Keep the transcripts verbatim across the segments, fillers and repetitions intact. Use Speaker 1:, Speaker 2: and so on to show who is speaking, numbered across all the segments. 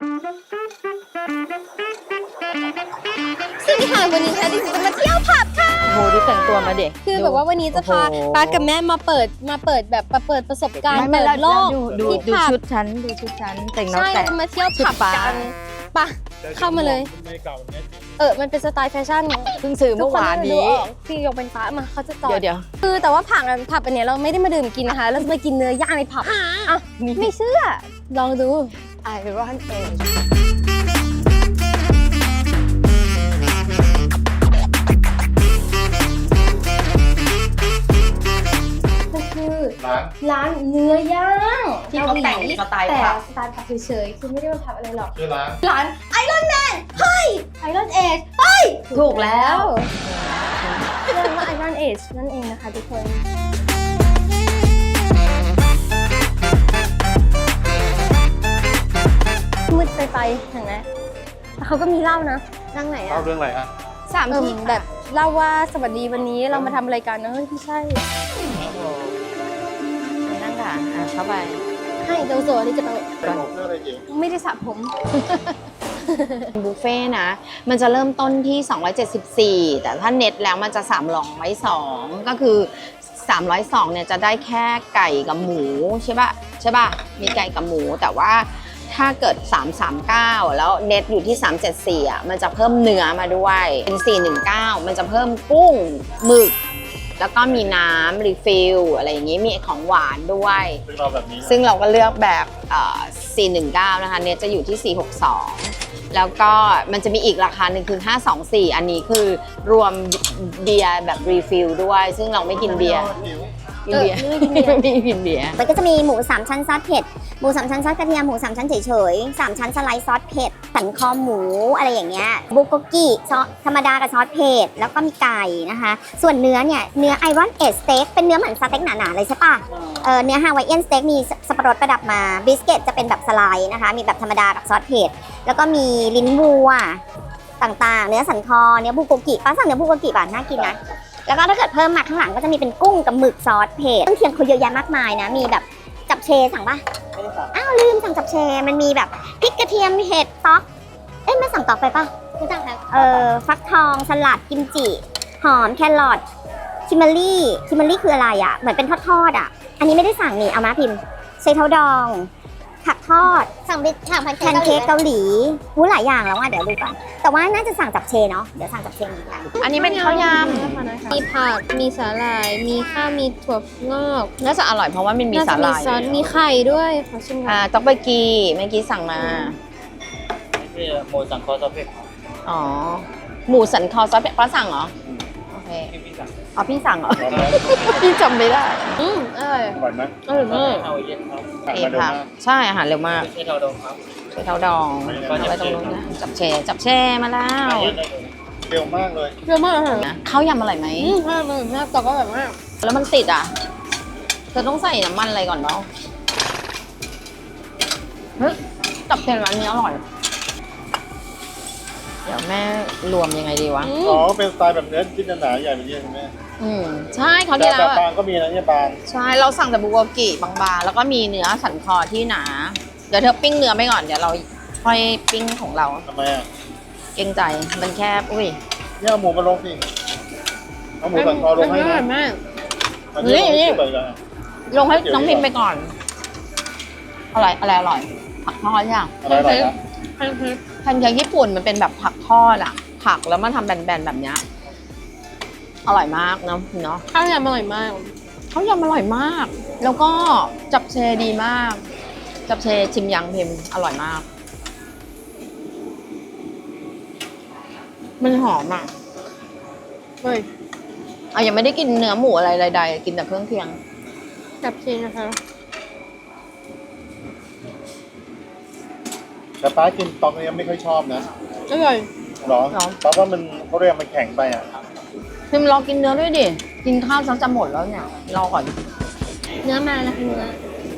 Speaker 1: สวัสดีค่ะวันนี้ค่ะดิฉันจะมาเที่ยวผับค่ะ
Speaker 2: โอ้โหดูแต่งตัวมาเด็ก
Speaker 1: คือแบบว่าวันนี้จะพาป้ากับแม่มาเปิดมาเปิดแบบมาเปิดประสบการณ์เปิดโลก
Speaker 2: ดู
Speaker 1: ที่
Speaker 2: ดู
Speaker 1: ผับ
Speaker 2: ชุดฉันดูชุดฉันแต่งน้อง
Speaker 1: ใช่
Speaker 2: แต่
Speaker 1: เรามาเที่ยวผับกันปะเข้ามาเลยเออมันเป็นสไตล์แฟชั่น
Speaker 2: เพิ่งซื้อเมื่อวานนี้
Speaker 1: พี่ยกเป็นฟ้ามาเขาจะจอด
Speaker 2: เดี๋ยวเดี๋ยว
Speaker 1: คือแต่ว่าผับกันผับอันเนี้ยเราไม่ได้มาดื่มกินนะคะเราจะมากินเนื้อย่างในผับอ่ะไม่เชื่อลองดู
Speaker 2: ไอรอนเอจ
Speaker 1: คือ
Speaker 3: ร้าน
Speaker 1: ร้านเนื้อย่าง
Speaker 2: ที่เขาแต่งสไตล์
Speaker 1: แต่
Speaker 2: ผับ
Speaker 1: สไตล์ผับเฉยๆคือไม่ได้มาผับอะไรหรอก
Speaker 3: ชื่อร้าน
Speaker 1: ร้านไอรอนแมนเฮ้ยไอรอนเอจเฮ้ย
Speaker 2: ถูกแล้ว
Speaker 1: เรียกว่าไอรอนเอจนั่นเองนะคะทุกคนมืดไปไปเห็นไหมแต่เขาก็มีเล่านะนั่งไหน
Speaker 3: เล่า
Speaker 1: อะ
Speaker 3: เรื่องอะไรอ่ะ
Speaker 2: สาม
Speaker 1: เออ
Speaker 2: ที่
Speaker 1: แบบเล่าว่าสวัสดีวันนี้เรามาทำอะไรกันนะเฮ้ยไม่ใช่
Speaker 2: นั่งค่ะอ่ะเข้าไป
Speaker 1: ให้โดโซนี่จะโต
Speaker 3: เป็นเรื่องอะไรจิ๋ว
Speaker 1: ไม่ได้สระผม
Speaker 2: บุฟเฟ่ต์นะ มันจะเริ่มต้นที่สองร้อยเจ็ดสิบสี่แต่ถ้าเน็ตแล้วมันจะสามร้อยสองก็คือสามร้อยสองเนี่ยจะได้แค่ไก่กับหมูใช่ป่ะใช่ป่ะมีไก่กับหมูแต่ว่าถ้าเกิดสามร้อยสามสิบเก้าแล้วเน็ตอยู่ที่สามร้อยเจ็ดสิบสี่อ่ะมันจะเพิ่มเนื้อมาด้วยเป็นสี่ร้อยสิบเก้ามันจะเพิ่มกุ้งหมึกแล้วก็มีน้ำรีฟิลอะไรอย่างงี้มีของหวานด้วย
Speaker 3: ซึ่งเราแบบนี้
Speaker 2: ซึ่งเราก็เลือกแบบเอ่อสี่ร้อยสิบเก้านะคะเนี่ยจะอยู่ที่สี่ร้อยหกสิบสองแล้วก็มันจะมีอีกราคาหนึ่งคือห้าร้อยยี่สิบสี่อันนี้คือรวมเบียร์แบบรีฟิลด้วยซึ่งเราไม่กินเบียร์กินเบียร์ไม่กินเบียร์
Speaker 4: มันก็จะมีหมูสามชั้นซอสเผ็ด หมูสามชั้นซอสกระเทียม หมูสามชั้นเฉยๆสามชั้นสไลด์ซอสเผ็ด สันคอหมูอะไรอย่างเงี้ย บุกโกกิซอสธรรมดากับซอสเผ็ด แล้วก็มีไก่นะคะ ส่วนเนื้อเนี่ย เนื้อไอรอนเอจสเต็ก เป็นเนื้อเหมือนสเต็กหนาๆเลยใช่ปะเออเนื้อฮาวายเอียนสเต็กมีสับปะรดประดับมา บิสเกตจะเป็นแบบสไลด์นะคะ มีแบบธรรมดากับซอสเผ็ด แล้วก็มีลิ้นวัวต่างๆ เนื้อสันคอ เนื้อบุกโกกิป้าสั่งเนื้อบุกโกกิป่ะน่ากินนะ แล้วก็ถ้าเกิดเพิ่มมาข้างหลังก็จะมีเป็นกุ้งกับหมึกซอสเผ็ดเครื่องเคียงเขาเยอะแยะมากมายนะ มีแบบจับเชสั่งปะอ้าวลืมสั่งจับเชมันมีแบบพริกกระเทียมเห็ดต๊อก เอ๊ะไม่สั่งต๊อกไปปะไม่สั่งครับเออฟักทองสลัดกิมจิ หอมแครอทคิมเบอรี่คิมเบอรี่คืออะไรอ่ะเหมือนเป็นทอดๆอ่ะอันนี้ไม่ได้สั่งนี่เอามาพิมพ์ใช้เท้าดองผักทอดสั่งไปสั่งแพนเค้กเกาหลีหูหลายอย่างแล้วอ่ะเดี๋ยวดูก่อนแต่ว่าน่าจะสั่งจับเชเนาะเดี๋ยวสั่งจับเชเหมือนกัน
Speaker 2: อันนี้เป็นข้าวย
Speaker 1: มีผักมีสาหร่าย มีข้าวมีถั่วงอก
Speaker 2: ำน่าจะอร่อยเพราะว่ามันมี
Speaker 1: น่า
Speaker 2: สา
Speaker 1: จะ
Speaker 2: ห
Speaker 1: มี
Speaker 2: ร่าย
Speaker 1: ซอสมีไข่ด้วยขอชิมก่อ
Speaker 2: อ่าน ต๊อกเบกีเมื่อกี้สั่งมา
Speaker 5: นี่คือโมสังคอสเปก
Speaker 2: อ๋อหมูสันคอซอสเป็ดป้าสั่งเหรอโอเค
Speaker 5: ที่พี่สั่ง
Speaker 2: อ๋อพี่สั่งเหรอ
Speaker 3: ร้อนไหม
Speaker 2: พี่จำไม่ได้
Speaker 1: อืมอร่อย
Speaker 3: อร่อยไหม
Speaker 1: อร่อยมาก
Speaker 5: เท่าเย็นครับ
Speaker 3: ผ่าน
Speaker 2: เอ
Speaker 3: มาเร็ว
Speaker 2: ค่ะ
Speaker 3: มาก
Speaker 2: ใช่อาหารเร็วมาก
Speaker 5: ไม่ใช่เท่าดองครับ
Speaker 2: ใช้เท้าดอง
Speaker 3: ไม่
Speaker 2: เอา
Speaker 3: ได้
Speaker 2: ไว้ตรงนู้นนะจับเชจับเชมาแล้ว
Speaker 5: เย็นได้เลย
Speaker 3: เร็วมากเลย
Speaker 1: เยอะมากอาหาร
Speaker 2: ข้าวยำอร่อยไหม
Speaker 1: อืมอร่อยมากแต่ก็แบบว่า
Speaker 2: แล้วมันติดอ่ะเธอต้องใส่น้ำมันอะไรก่อนเนาะเฮ้ยจับเชร้านนี้อร่อย เดี๋ยวแม่รวมยังไงดีวะ
Speaker 1: อื
Speaker 3: อ๋อ
Speaker 1: ม
Speaker 3: เป็นสไตล์แบบเนื้อชิ้นหนาๆใหญ่แบบนี้ใช่ไหม
Speaker 2: อืมใช่เขาว
Speaker 3: แต่
Speaker 2: ที่แล้
Speaker 3: แบ
Speaker 2: ว
Speaker 3: บ
Speaker 2: อะ
Speaker 3: บางก็มีนะเนี่ยบาง
Speaker 2: ใช่ เราสั่งแต่บุกโกกิบางๆ แล้วก็มีเนื้อสันคอที่หนา เดี๋ยวเธอปิ้งเนื้อไปก่อน เดี๋ยวเราค่อยปิ้งของเรา
Speaker 3: ทำไมอ่ะ
Speaker 2: เกรงใจ มันแคบ อุ้ย
Speaker 3: เนี่ยเอาหมูมาลงสิเอาหมูสันคอลงให้
Speaker 1: อร่
Speaker 3: นะ
Speaker 1: อยมาก
Speaker 3: อันนี้
Speaker 2: นี่
Speaker 3: ลงที่เปิดกัน
Speaker 2: ลงให้น้องพิมพ์ไปก่อน อะไรอะไรอร่อย ผักทอดใช่ไหม
Speaker 3: อะไรอร่อยนะ
Speaker 1: แพนเค้ก
Speaker 2: แพนเค้กญี่ปุ่นมันเป็นแบบผักทอดอะผักแล้วมาทำแบนๆแบบเนี้ยอร่อยมากเนาะเนาะ
Speaker 1: ข้าวยำอร่อยมาก
Speaker 2: เขาวยำอร่อยมาก แล้วก็จับเชดีมาก จับเชชิมยังพิมพ์อร่อยมาก มันหอมอ่ะ
Speaker 1: เฮ้ย
Speaker 2: อ่ะยังไม่ได้กินเนื้อหมูอะไรใดๆกินแต่เครื่องเคียง
Speaker 1: จับเชนนะคะ
Speaker 3: แต่ป้ากินตอกเนี่ยไม่ค่อยชอบนะ
Speaker 1: อร่อย
Speaker 3: หรอ
Speaker 2: หรอ
Speaker 3: เพราะว่ามันเขาเรียกมันแข็งไปอ่ะ
Speaker 2: พิมพ์รอกินเนื้อด้วยดิ กินข้าวซะจะหมดแล้วเนี่ย รอก่อน
Speaker 1: เนื้อมาแล้วค่ะเนื้อ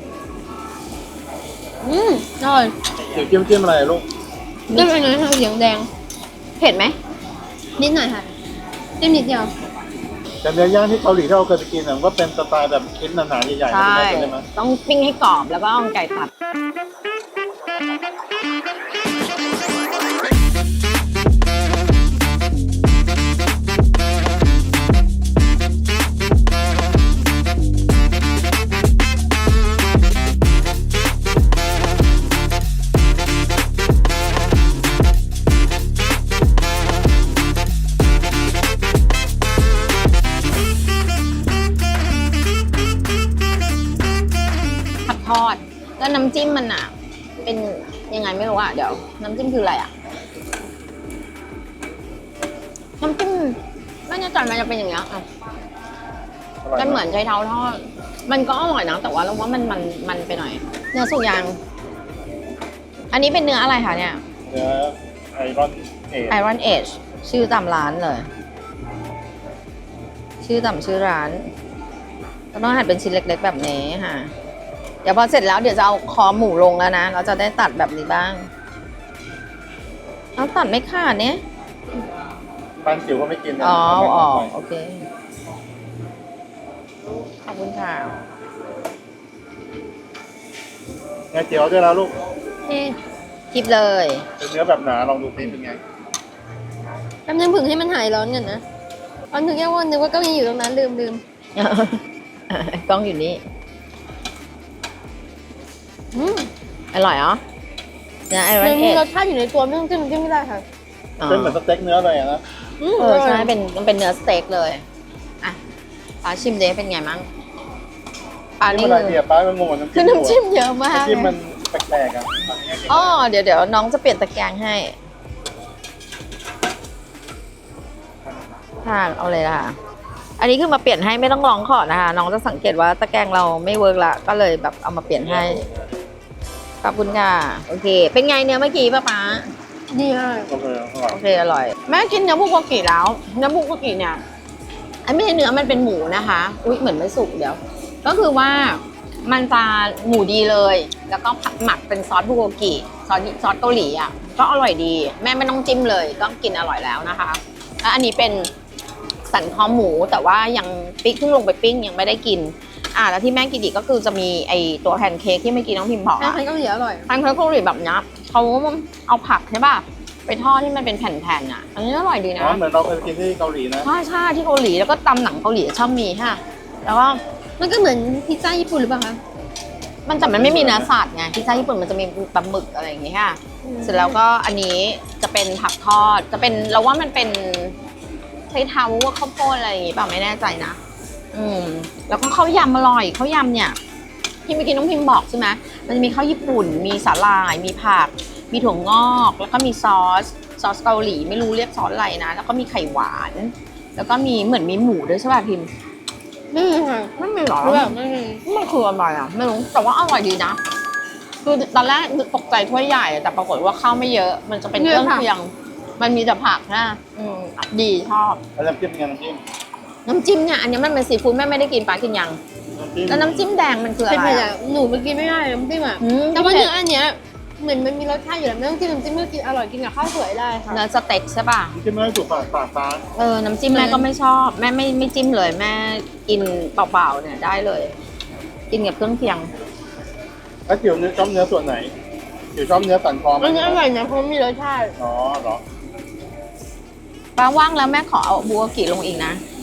Speaker 1: อืมอร่อย
Speaker 3: เดี๋ยวจิ้มจิ้มอะไรลูก
Speaker 1: จิ้มอันนี้ค่ะเหลืองแดง
Speaker 2: เผ็ดไหม
Speaker 1: นิดหน่อยค่ะจิ้มนิดเดียว
Speaker 3: แต่เนื้อย่างที่เกาหลีที่เราเคยไปกินอ่ะมันก็เป็นสไตล์แบบชิ้นหนาๆใหญ่ๆ
Speaker 2: ใช่
Speaker 3: ใช่ไหม
Speaker 2: ต้องปิ้งให้กรอบแล้วก็เอาไก่ตัดยังไงไม่รู้อ่ะเดี๋ยวน้ำจิ้มคืออะไรอ่ะน้ำจิ้มไม่แน่ใจมันจะเป็นอย่างเงี้ยอ่ะ
Speaker 3: อร่อย
Speaker 2: มันเหมื
Speaker 3: นะ
Speaker 2: อนใช้เท้าทอดมันก็อร่อยนะแต่ว่าเราว่ามันมันมันไปหน่อย เนื้อสุกยางอันนี้เป็นเนื้ออะไรคะเนี่ย
Speaker 3: เนื้อไอรอนเอท
Speaker 2: Iron Age ชื่อตามร้านเลย ชื่อตามชื่อร้านก็ต้องหั่นเป็นชิ้นเล็กๆแบบนี้ค่ะ เดี๋ยวพอเสร็จแล้วเดี๋ยวจะเอาคอหมูลงแล้วนะ เราจะได้ตัดแบบนี้บ้างเอาตัดไม่ขาดเนี่ย
Speaker 3: บ้านจิ๋วก็ไม่กินนะ
Speaker 2: อ๋อ
Speaker 3: เาแบ่ง
Speaker 2: อ๋อ
Speaker 3: ไป
Speaker 2: โอเค ขอบคุณค่ะ
Speaker 3: เนื้อเจียวด้วยแล้วลูก
Speaker 2: นี่คลิปเลย
Speaker 3: เป็นเนื้อแบบหนาลองดูซิเป็นไง
Speaker 1: แป๊บนึงผึ่งให้มันหายร้อนก่อนนะตอนนึกแค่ว่านึกว่าเก็ยังอยู่ตรงนั้นลืมลืม
Speaker 2: กล้องอยู่นี่
Speaker 1: อืม
Speaker 2: อร่อยเหรอเนื้อไอร
Speaker 1: มั
Speaker 2: อน นเอ
Speaker 1: มี
Speaker 2: จ
Speaker 1: รสชาติอยู่ในตัวไม่ต้องจิ้มจิ้มไม่ได้ค่ะ
Speaker 3: เป็นเหมือนสเต็กเนื้อเลยอะนะ
Speaker 1: อืม
Speaker 2: เออใช่เป็นมันเป็นเนื้อสเต็กเลยอ่ะปลาชิมเดเป็นไงมั่งปลา
Speaker 3: นี่
Speaker 2: นี่
Speaker 3: มันอะไร
Speaker 2: คือ
Speaker 3: เนี่ยป้าก็งงกับน้ำ
Speaker 2: คือ
Speaker 3: จิ้ม
Speaker 2: น้ำจิ้มเยอะมาก
Speaker 3: น้ำจิ้มมันแปลกๆอ่ะอันนี้กิน
Speaker 2: อ๋อเดี๋ยวเดี๋ยวน้องจะเปลี่ยนตะแกรงให้ค่ะเอาเลยล่ะ อันนี้คือมาเปลี่ยนให้ไม่ต้องร้องขอนะคะ น้องจะสังเกตว่าตะแกรงเราไม่เวิร์กละก็เลยแบบเอามาเปลี่ยนให้ขอบคุณค่ะโอเค เป็นไงเนื้อเมื่อกี้ป้าป๊า
Speaker 1: ดีมาก
Speaker 3: โอเคอร่อย
Speaker 2: โอเคอร่อย แม่กินเนื้อบุกวากิแล้วเนื้อบุกวากิเนี่ยไอ้ไม่ใช่เนื้อมันเป็นหมูนะคะอุ๊ยเหมือนไม่สุกเดี๋ยว ก็คือว่ามันจะหมูดีเลย แล้วก็ผัดหมักเป็นซอสบุกวากิซอสซอสเกาหลีอ่ะก็อร่อยดี แม่ไม่ต้องจิ้มเลยก็กินอร่อยแล้วนะคะแล้วอันนี้เป็นสันคอหมูแต่ว่ายังปิ๊กเพิ่งลงไปปิ้งยังไม่ได้กินอ่าแล้วที่แม่กินอีกก็คือจะมีไอตัวแพนเค้กที่เมื่อกี้น้องพิมพ์บอก
Speaker 1: แม่
Speaker 2: อะ
Speaker 1: ใครก็เหลืออร่อย
Speaker 2: แพนเค้กเกาหลีแบบเนี้ยเขาเอาผักใช่ป่ะไปทอดที่มันเป็นแผ่นๆอ่ะอันนี้อร่อยดีนะ
Speaker 3: อ๋อเหมือนเราเคยกินที่เกาหลีนะ
Speaker 2: ใช่ใช่ที่เกาหลีแล้วก็ตำหนังเกาหลีชอบมีค่ะแล้วก็
Speaker 1: มันก็เหมือนพิซซ่าญี่ปุ่นหรือเปล่าคะ
Speaker 2: มันแต่มันไม่มีเนื้อสัตว์ไงพิซซ่าญี่ปุ่นมันจะมีปลาหมึกอะไรอย่างเงี้ยค่ะเสร็จแล้วก็อันนี้จะเป็นผักทอดจะเป็นเราว่ามันเป็นใช้เท้าว่าข้าวโพดอะไรอย่างงี้เปล่าไม่แน่ใจนะอืมแล้วก็ข้าวยำอร่อยข้าวยำเนี่ยที่เมื่อกี้น้องพิมพ์บอกใช่ไหมมันจะมีข้าวญี่ปุ่น มีสาหร่ายมีผักมีถั่วงอกแล้วก็มีซอสซอสเกาหลีไม่รู้เรียกซอสอะไรนะแล้วก็มีไข่หวาน แล้วก็มีเหมือนมีหมูด้วยใช่ป่ะพิมพ์
Speaker 1: ไม่มีค่ะ
Speaker 2: ไม่มีหรอ
Speaker 1: คือแบบไม่มี
Speaker 2: มันคืออะไรอ่ะไม่รู้แต่ว่าอร่อยดีนะคือตอนแรกตกใจถ้วยใหญ่แต่ปรากฏว่าข้าวไม่เยอะ มันจะเป็นเครื่องเคียงมันมีแต่ผักนะอืมดีชอบ
Speaker 3: แล้วน้ำจิ้มเป็นไงน้ำจิ้ม
Speaker 2: น้ำจิ้มเนี่ยอันนี้มันเป็นซีฟู้ดแม่ไม่ได้กินปลากินยัง
Speaker 3: น้ำจิ้ม
Speaker 2: แล้วน้ำจิ้มแดงมันคืออะ
Speaker 1: เป็น
Speaker 2: ไร
Speaker 1: ไป
Speaker 2: อะ
Speaker 1: หนูเมื่อกี้ไม่ได้น้ำจิ้มอ่ะ
Speaker 2: อืม
Speaker 1: แต่ว่าเนื้ออันเนี้ยเหมือนมันมีรสชาติอยู่แล้วไม่ต้องจิ้มน้ำจิ้มก็กินอร่อยกินกับข้าวสวยได้ค่ะ
Speaker 2: เนื้อสเต็กใช่ป่ะ
Speaker 3: น้ำจิ้มไม่ได้ถูกปากปากฟ้า
Speaker 2: เออน้ำจิ้มแม่ก็ไม่ชอบแม่ไม่ไม่จิ้มเลยแม่กินเปล่าๆเนี่ยได้เลย กินกับเครื่องเคียง
Speaker 3: แล้วจิ๋วเนื้อชอบเนื้อส่วนไหนจิ๋วชอบเนื้อสันคอไหม
Speaker 1: อันนี้อร่อยนะเพราะมีรสชาติ
Speaker 3: อ๋อเหรอ
Speaker 2: ป้าว่างแล้วแม่ขอเอาบัวกิลงอีกนะ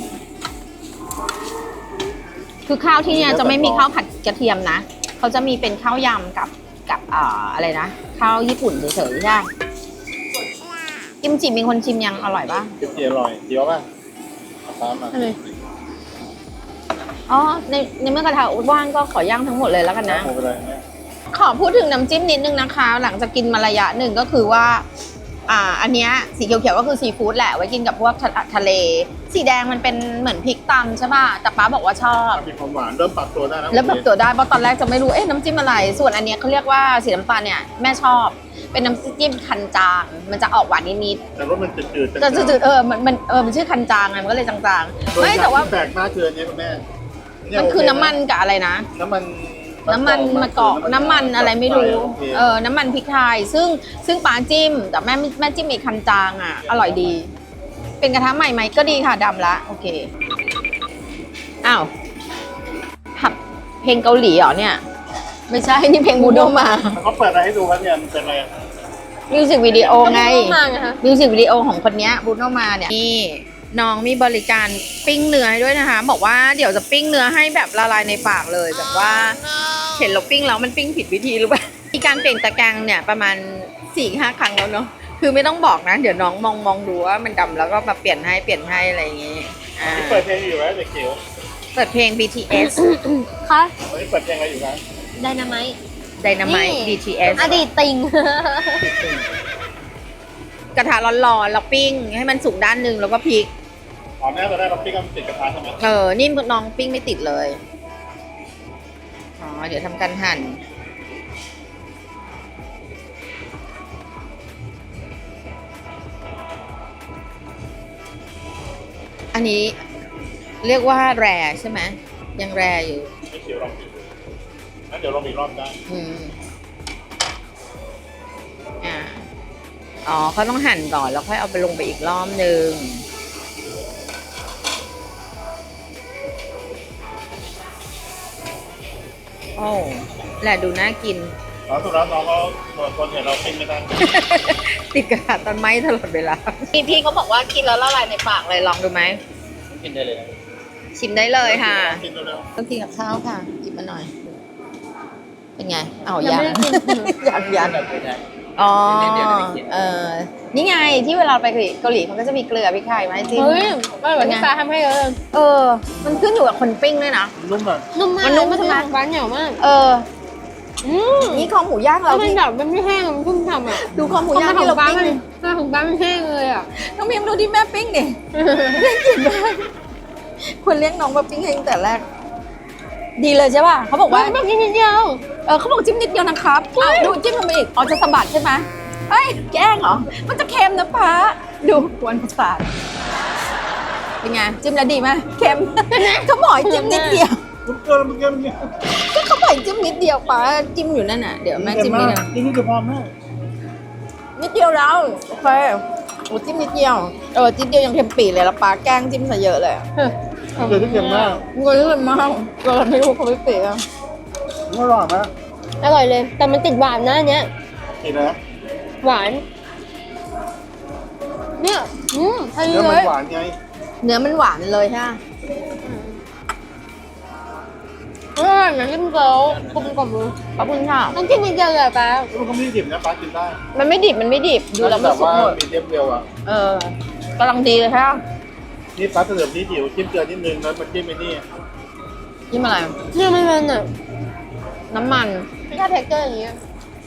Speaker 2: คือข้าวที่เนี่ยจะไม่มีข้าวผัดกระเทียมนะ เขาจะมีเป็นข้าวยำกับกับเอ่ออะไรนะ ข้าวญี่ปุ่นเฉยๆใช่ไหมกิมจิมีคนชิมยังอร่อยป่ะ
Speaker 3: จิ๋วเจี๋ยวอร่อยเจี๋ยวป่ะตามมา
Speaker 1: อะไร
Speaker 2: อ๋อ ในในเมื่อกระทะว่างก็ขอย่างทั้งหมดเลยแล้วกันนะ
Speaker 3: หมูไปเลยเนี่ย
Speaker 2: ขอพูดถึงน้ำจิ้มนิดนึงนะคะ หลังจากกินมาระยะหนึ่งก็คือว่า อ่า อันเนี้ยสีเขียวๆก็คือซีฟู้ดแหละไว้กินกับพวกทะทะเล สีแดงมันเป็นเหมือนพริกตำใช่ป่ะ แต่ป้าบอกว่าชอบ
Speaker 3: มีความหวานเริ่มปรับตัวได้แล้ว
Speaker 2: แล้วแบบตัวได้เพราะตอนแรกจะไม่รู้ เอ๊ะน้ำจิ้มอะไร ส่วนอันเนี้ยเขาเรียกว่าสีน้ำตาลเนี่ยแม่ชอบ เป็นน้ำจิ้มคันจาง มันจะออกหวานนิด
Speaker 3: แต่รสมันจืดๆ
Speaker 2: ๆจะจืดๆเออ มันมันเออ มันชื่อคันจางไง มันก็เลยจางๆ
Speaker 3: โดย
Speaker 2: ไม่แต่ว่า
Speaker 3: ที่แปลกมากคืออันนี้คุณแม่เย
Speaker 2: มันคือน้ำมันกับอะไรนะ
Speaker 3: น้ำมัน
Speaker 2: น้ำมันมะกอกน้ำมันอะไรไม่รู้
Speaker 3: โอเค
Speaker 2: เออ น้ำมันพริกไทย ซึ่งซึ่งปลาจิ้ม แต่แม่แม่จิ้มอีกคันจางอ่ะ อร่อยดี เป็นกระทะใหม่ไหมก็ดีค่ะดำละ โอเค อ้าวผับเพลงเกาหลีเหรอเนี่ย ไม่ใช่ นี่เพลงบูโดมา
Speaker 3: เขาเปิดอะไรให้ดูครับเนี่ยมันเป็นอะไร
Speaker 2: มิวสิกวิดีโอไง
Speaker 1: มากนะคะ
Speaker 2: มิวสิกวิดีโอของคนเนี้ยบูโนมาเนี่ยนี่น้องมีบริการปิ้งเนื้อให้ด้วยนะคะ บอกว่าเดี๋ยวจะปิ้งเนื้อให้แบบละลายในปากเลยแบบว่าเห็นเราปิ้งแล้วมันปิ้งผิดวิธีหรือเปล่า มีการเปลี่ยนตะแกรงเนี่ยประมาณสี่ห้าครั้งแล้วเนาะคือไม่ต้องบอกนะ เดี๋ยวน้องมองมองดูว่ามันดำแล้วก็มาเปลี่ยนให้เปลี่ยนให้อะไรอย่างงี้อ่า
Speaker 3: นี่เปิดเพลงอยู่ไหมเด็กเขียว
Speaker 2: เปิดเพลง บี ที เอส
Speaker 1: ค่ะ
Speaker 3: วันนี้เปิดเพลงอะไรอยู่ครับ
Speaker 1: ไดนาไมต์
Speaker 3: ไ
Speaker 2: ไดนาไมต์ ดี ที เอส
Speaker 1: อดีตติง
Speaker 2: กระทะร้อนๆแล้วปิ้งให้มันสุกด้านหนึ่งแล้วก็พลิก
Speaker 3: อ๋อแม่เราได้เราปิ้งกันติดกระทะใช่ไหม
Speaker 2: เออ นี่น้องปิ้งไม่ติดเลย อ๋อ เดี๋ยวทำการหั่น อันนี้เรียกว่าแรใช่ไหม ยังแรอยู่
Speaker 3: ไม่เขียวลองกินงั้นเดี๋ยวลองอีกรอบได้
Speaker 2: อืม อ่า อ๋อเขาต้องหั่นก่อนแล้วค่อยเอาไปลงไปอีกรอบหนึ่ง โอ้แหละดูน่ากิน
Speaker 3: อ๋อสุดแล้วน้องเขาคนเห็นเราปิ้งไม่ได้
Speaker 2: ติดกระดาษต้นไม้ตลอดเวลา พี่พี่เขาบอกว่ากินแล้วละลายในปากเลยลองดูไหม
Speaker 5: กินได้เลยนะ
Speaker 2: ชิมได้เลยค่ะ
Speaker 3: กินเร็ว
Speaker 2: ต้องกินกับข้าวค่ะหยิบมาหน่อย เป็นไงเอา
Speaker 1: ยั
Speaker 2: ยัง
Speaker 1: ไม่ได้กิน
Speaker 2: ยังยัง
Speaker 5: แบบไม่ได้
Speaker 2: อ๋อ
Speaker 5: เดี๋ยวเดี๋ยวเดี๋ยวเดี๋ยว
Speaker 2: เออนี่ไงที่เวลาไปเกาหลีเขาก็จะมีเกลือพริกไทยมาให้จิ้ม
Speaker 1: เฮ้ยอร่อยกว่าที่ฟ้าทำให้เยอะเลย
Speaker 2: เออ มันขึ้นอยู่กับคนปิ้งด้วยนะ
Speaker 3: ๆนุ่มอ่ะ
Speaker 1: นุ่มมาก
Speaker 2: มันนุ่ม
Speaker 1: เลย
Speaker 2: ใช่ไหม
Speaker 1: ของฟ้าเหนียวมาก
Speaker 2: เออ
Speaker 1: อืม
Speaker 2: นี่คอหมูย่าง
Speaker 1: แล้
Speaker 2: เรา
Speaker 1: วมัน
Speaker 2: ที่
Speaker 1: แบบมันไม่แห้งมันชุ่มฉ่ำอ่ะ
Speaker 2: ดูคอหมูย่าง
Speaker 1: ขอ
Speaker 2: ที่
Speaker 1: ง
Speaker 2: เรา
Speaker 1: ฟ้า
Speaker 2: ปิ้ง
Speaker 1: มัน
Speaker 2: ดิ
Speaker 1: ของฟ้ามันแห้งเลยอ่ะ
Speaker 2: น้องพิมดูที่แม่ปิ้งดิน่ากินมากควรเลี้ยงน้องมาปิ้งให้ตั้งแต่แรก ดีเลยใช่ป่ะเขาบอกว่า
Speaker 1: แบบนี้นิดเดียว
Speaker 2: เออเขาบอกจิ้มนิดเดียวนะครับเอาดูจิ้มลงไปอีกอ๋อจะสะบัดใช่ไหมเอ้ยแกล้งเหรอ มันจะเค็มนะป้าดูกวนประสาทเป็นไงจิ้มแล้วดีไหมเค็ม เขาบอกให้จิ้มนิดเดียว
Speaker 3: นุ่มเกินมันเกินเนี่ย
Speaker 2: ก็เขาบอกให้จิ้มนิดเดียวป้าจิ้มอยู่นั่นน่ะเดี๋ยวแม่จิ้มนิดเดียว
Speaker 3: นี่นี่จะพอแม่
Speaker 2: นิดเดียวแล้วโอเคโอ้จิ้มนิดเดียวเออจิ้มเดียวยังเค็มปีเลยแล้วป้าแกล้งจิ้มซะเยอะเลย
Speaker 3: เดี๋ยวที่เค็มมาก
Speaker 2: เงินเลยมากเราไม่รู้เขาไม่เปียก
Speaker 3: นี่อร่อยไหม
Speaker 1: อร่อยเลย แต่มันติดหวานนะอันเนี้ย
Speaker 3: กินนะ
Speaker 1: หวาน เนี่ยอืมพอดี
Speaker 3: เนื้อ
Speaker 1: เล
Speaker 3: มัน
Speaker 1: ย
Speaker 3: หวานไง
Speaker 2: เนื้อมันหวานเลยใช่ไหม
Speaker 1: อร่อยนะจิ้มเกี๊ยวกลมกล่อมเลย
Speaker 2: ขอบคุณค่ะ
Speaker 1: ต้องกินนิดเดียวเลยอะป้า
Speaker 3: มันก็ไม่ได้ดิบนะป้ากินได้
Speaker 2: มันไม่ดิบมันไม่ดิบดูแล้วมัน
Speaker 3: แบบ
Speaker 2: สุก
Speaker 3: ว่า
Speaker 2: หมด
Speaker 3: มีเดียมเร็วอ่ะ
Speaker 2: เออกำลังดีเลยค่ะ
Speaker 3: นี่ป้าเสริมนี่จิ๋วจิ้มเกลือนิดนึงแล้วมาจิ้มไอ้นี่
Speaker 2: จิ้มอะไร
Speaker 1: เนี่ยมันมันอ่ะ
Speaker 2: น้ำมัน
Speaker 1: ไม่ใช่เท็กเจอร์อย่างเงี้ย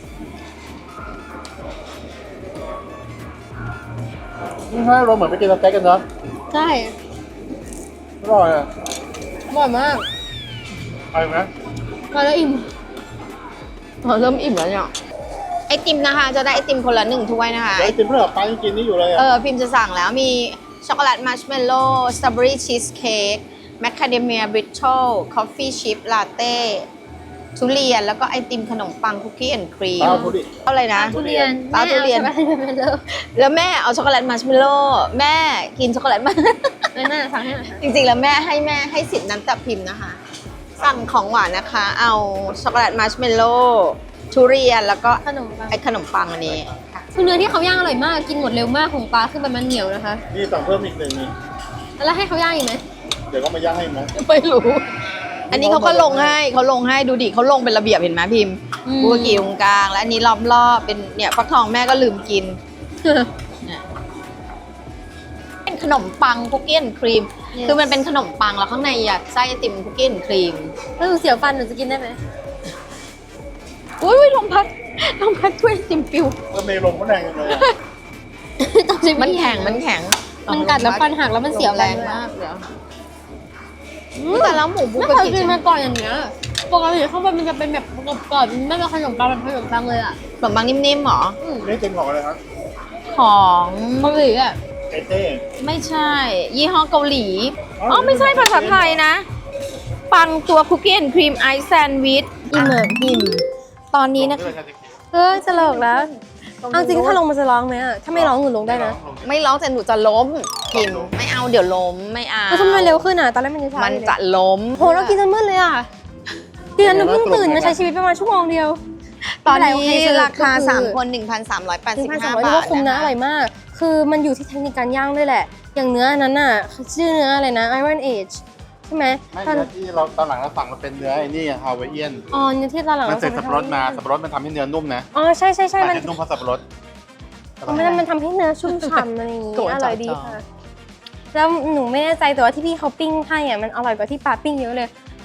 Speaker 3: นี่ให้เราเหมือนไปกินสเต็กกันเนาะ
Speaker 1: ใช่
Speaker 3: อร่อยอ่ะ
Speaker 1: อร่อยมาก
Speaker 3: ไปไหม
Speaker 1: มาแล้วอิ่ม
Speaker 2: เราเริ่มอิ่มแล้วเนี่ยไอติมนะคะ จะได้ไอติมคนละหนึ่งถ้วยนะคะ
Speaker 3: ไอติมเพื่อนป้ายังกินนี่อยู่เลย
Speaker 2: เอ
Speaker 3: อ่ะ
Speaker 2: อพิมพ์จะสั่งแล้วมีช็อกโกแลตมัชเมลโล่สตรอเบอรี่ชีสเค้กแมคคาเดเมียบริทเทิลคอฟฟี่ชิพลาเต้ทุเรียนแล้วก็ไอติมขนมปังคุกกี้แอนด์ครีม
Speaker 3: ป้าพูดดิ
Speaker 2: อะไรนะ
Speaker 1: ทุเรียน
Speaker 2: ปลาทุเรียน
Speaker 1: แม่อาช็อกโกแลตมาเลย
Speaker 2: แล้วแม่เอาช็อกโกแลตมัชเมลโล่แม่กินช็อกโกแลตมา
Speaker 1: ไม่น่าสั่งให้หน่อยค่ะ
Speaker 2: จริงๆ แล้วแม่ให้แม่ให้สิทธิ์นั้นแต่พิมพ์นะคะ สั่งของหวานนะคะ เอาช็อกโกแลตมัชเมลโล่ทุเรียนแล้วก็
Speaker 1: ขนมปัง
Speaker 2: ไอขนมปังอันนี้ค่ะ
Speaker 1: คือเนื้อที่เขาย่างอร่อยมาก กินหมดเร็วมากของปลาคือแบบมันเหนียวนะคะ
Speaker 3: นี่สั่งเพิ่มอีกหนึ่งนี่
Speaker 1: แล้วให้เขาย่างอีกไหม
Speaker 3: เดี๋ยวก็มาย่างให้ไหม
Speaker 2: ไม่รู้ อันนี้เขาก็ลงให้เขาลงให้ดูดิเขาลงเป็นระเบียบเห็นไหมพิมพ์
Speaker 1: อืม
Speaker 2: บัวกีตรงกลาง และอันนี้รอบรอบๆเป็นเนี่ยฟักทองแม่ก็ลืมกินเนี่ยเป็นขนมปังคุกกี้แอนด์ครีม คือมันเป็นขนมปังแล้วข้างในอยากไส้ไอติมคุกกี้แอนด์ครีม
Speaker 1: แล้วหนูเสียวฟันหนูจะกินได้ไหม
Speaker 2: อุ้ยลมพัดลมพัดช่วยไอติมปิว
Speaker 3: แล้วเมย์ลงก็แรงจังเลยอะ
Speaker 1: ต้องใช้วิธี
Speaker 2: มันแข็งมันแข็ง
Speaker 1: มันกัดแล้วฟันหักแล้วมันเสียว
Speaker 2: แร
Speaker 1: แรง
Speaker 2: ง
Speaker 1: มาม
Speaker 2: าก กเดี๋ยวแต่แล้วหมูบุ
Speaker 1: ไม่
Speaker 2: ก
Speaker 1: เคย
Speaker 2: กิ
Speaker 1: กินมาก่อนอย่างเงี้ยปกติข้างบนมันจะเป็นแบบกรอบๆไม่เป็นขนมปังเป็นขนมปังเลยอ่ะ
Speaker 2: ขนมปังนิ่มๆหรอ
Speaker 1: อืม
Speaker 3: นี่เป็นของอะไรครับ
Speaker 2: ของ
Speaker 1: เกาหลีอ่ะ
Speaker 3: ไอเต้
Speaker 2: ไม่ใช่ ยี่ห้อเกาหลี อ๋อ ไม่ใช่ภาษาไทยนะ ปังตัวคุกกี้แอนด์ครีมไอซ์แซนด์วิชอิ่มเหมือนพิมตอนนี้นะคะ
Speaker 1: เออจะเลิกแล้วเอาจริงถ้าลงมันจะร้องไหมอ่ะถ้าไม่ร้องหนูลงได้นะ
Speaker 2: ไม่ร้องแต่หนูจะล้มพิมไม่เอาเดี๋ยวล้มไม่เอา
Speaker 1: แล้วทำไมเร็วขึ้นอ่ะตอนแรกมันจะช้า
Speaker 2: มัน
Speaker 1: อยู่เลย
Speaker 2: จะล้ม
Speaker 1: โหเรากินจนมืดเลยอ่ะดิฉันหนูเพิ่งตื่นมาใช้ชีวิตประมาณชั่วโมงเดียว
Speaker 2: ตอน
Speaker 1: ไม่เป็นไรโอ
Speaker 2: นี้
Speaker 1: เคสรุป
Speaker 2: ราคา
Speaker 1: ก็คือ
Speaker 2: สามคนหนึ่งพันสามร้อยแปด
Speaker 1: หนึ่
Speaker 2: สิบ
Speaker 1: งพันสา
Speaker 2: ห้าม
Speaker 1: ร้อย
Speaker 2: บา
Speaker 1: ว่า
Speaker 2: ท
Speaker 1: คุ้มนะ
Speaker 2: นะ
Speaker 1: อร่อยมาก คือมันอยู่ที่เทคนิคการย่างด้วยแหละ อย่างเนื้ออันนั้นน่ะชื่อเนื้ออะไรนะ Iron Age ใช่ไหม
Speaker 3: ไม่
Speaker 1: ตอน
Speaker 3: เนื้อที่เราตอนหลังเราสั่งเราเป็นเนื้อไอ้นี่ฮาวายเอียน
Speaker 1: อ๋อเนื้อที่ตอนหลัง
Speaker 3: มัน
Speaker 1: เรา
Speaker 3: ใส่
Speaker 1: สั่ง
Speaker 3: สับปะรดมาสับปะรดมันทำให้เนื้อนุ่มนะ
Speaker 1: อ๋อใช่ใช่ใช่มัน
Speaker 3: แต่นุ่มเพราะสับปะรด
Speaker 1: มันมันทำให้เนื้อชุ่มฉ่ำอะไรอย่างงี้
Speaker 2: โกรธ
Speaker 1: อร่อยดี
Speaker 2: จ่อๆ
Speaker 1: ค่ะ แล้วหนูไม่แน่ใจแต่ว่าที่พี่เขาปิ้งให้อ่ะมันอร่อยกว่าที่ปลาปิ้งเยอะเลย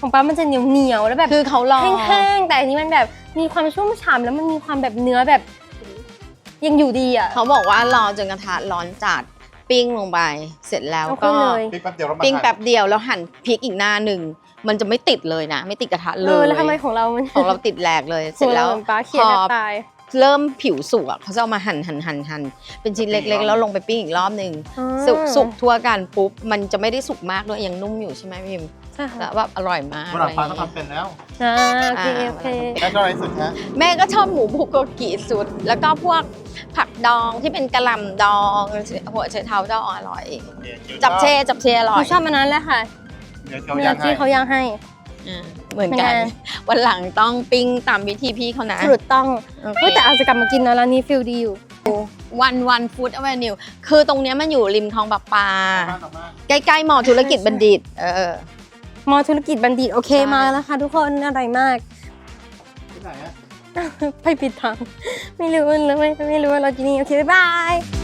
Speaker 1: ของป้ามันจะเหนียวเหนียวๆแล้วแบบ
Speaker 2: คือเขารอ
Speaker 1: แห้งๆแต่อันนี้มันแบบมีความชุ่มฉ่ำแล้วมันมีความแบบเนื้อแบบยังอยู่ดีอ่ะ
Speaker 2: เขาบอกว่ารอจนกระทะร้อนจัดปิ้งลงไป เสร็จแล้ว
Speaker 1: เอา
Speaker 2: ก็
Speaker 1: ขึ้นเลย
Speaker 3: ปิ้งแป๊บเดียวแล้วมา
Speaker 2: ปิ้ง
Speaker 3: หั่น
Speaker 2: แป๊บเดียวแล้วหั่นพริกอีกหน้าหนึ่งมันจะไม่ติดเลยนะ ไม่ติดกระทะเล
Speaker 1: เออย แล้วทำไมของเรามัน
Speaker 2: ของเราติดแหลกเลย เสร็จแล้ว
Speaker 1: ของาหมือนป้าเขียน
Speaker 2: พอ
Speaker 1: แทบตาย
Speaker 2: เริ่มผิวสุกอ่ะเขาจะเอามาหั่นหั่นหั่นหั่นเป็นชิ้นเล็กๆ แล้วลงไปปิ้งอีกรอบหนึ่ง
Speaker 1: อ่า
Speaker 2: สุกสุกทั่วกันปุ๊บมันจะไม่ได้สุกมากด้วยยังนุ่มอยู่ใช่ไหมพิม
Speaker 1: ใช่
Speaker 2: แล้
Speaker 1: ค่ะ
Speaker 2: วแบบอร่อยมาก
Speaker 3: วันหลัง
Speaker 2: อะไร
Speaker 3: ฟ้า
Speaker 2: อย่า
Speaker 3: ก็
Speaker 2: งเงี้ย
Speaker 3: ทำเป็นแล้ว
Speaker 1: อ่าโอเค
Speaker 2: อ่า
Speaker 1: โอเค
Speaker 3: แม่ชอบอะไรสุดฮะ
Speaker 2: แม่ก็ชอบหมูบุกโกกิสุด แล้วก็พวกผักดองที่เป็นกะหล่ำดองหัวไชเท้าดองอร่อย จับเชจับเชอร่
Speaker 1: ห
Speaker 2: อ
Speaker 1: นู
Speaker 2: ย
Speaker 1: ชอบมันนั้นแหละค่ะ
Speaker 3: เดี๋ยวเขา
Speaker 1: เนื้
Speaker 3: ย่า
Speaker 1: อง
Speaker 3: ให้
Speaker 1: ที่เขาย่างให้
Speaker 2: อ่าเหมือนกัน
Speaker 1: เป็นไง
Speaker 2: วันหลังต้องปิ้งตามวิธีพี่เขานะ
Speaker 1: สรุปต้อง
Speaker 2: โอเค
Speaker 1: เฮ้ยแต่อาจจะกลับมากินนะร้านนี้ฟิลดีอยู่
Speaker 2: วันวันฟู้ดอเวนิวคือตรงเนี้ยมันอยู่ริมคลองปลาปา
Speaker 3: บ้านออกมา
Speaker 2: ใกล้ๆมอธุรกิจบัณฑิต เออ
Speaker 1: มอธุรกิจบัณฑิตโอเค
Speaker 2: ใช่
Speaker 1: มาแล้วค่ะทุกคนอร่อยมาก
Speaker 3: ที่ไหนอะ
Speaker 1: ไปปิดทาง ไม่รู้เลยไม่ไม่รู้ว่าเราจะนี่โอเค บ๊ายบาย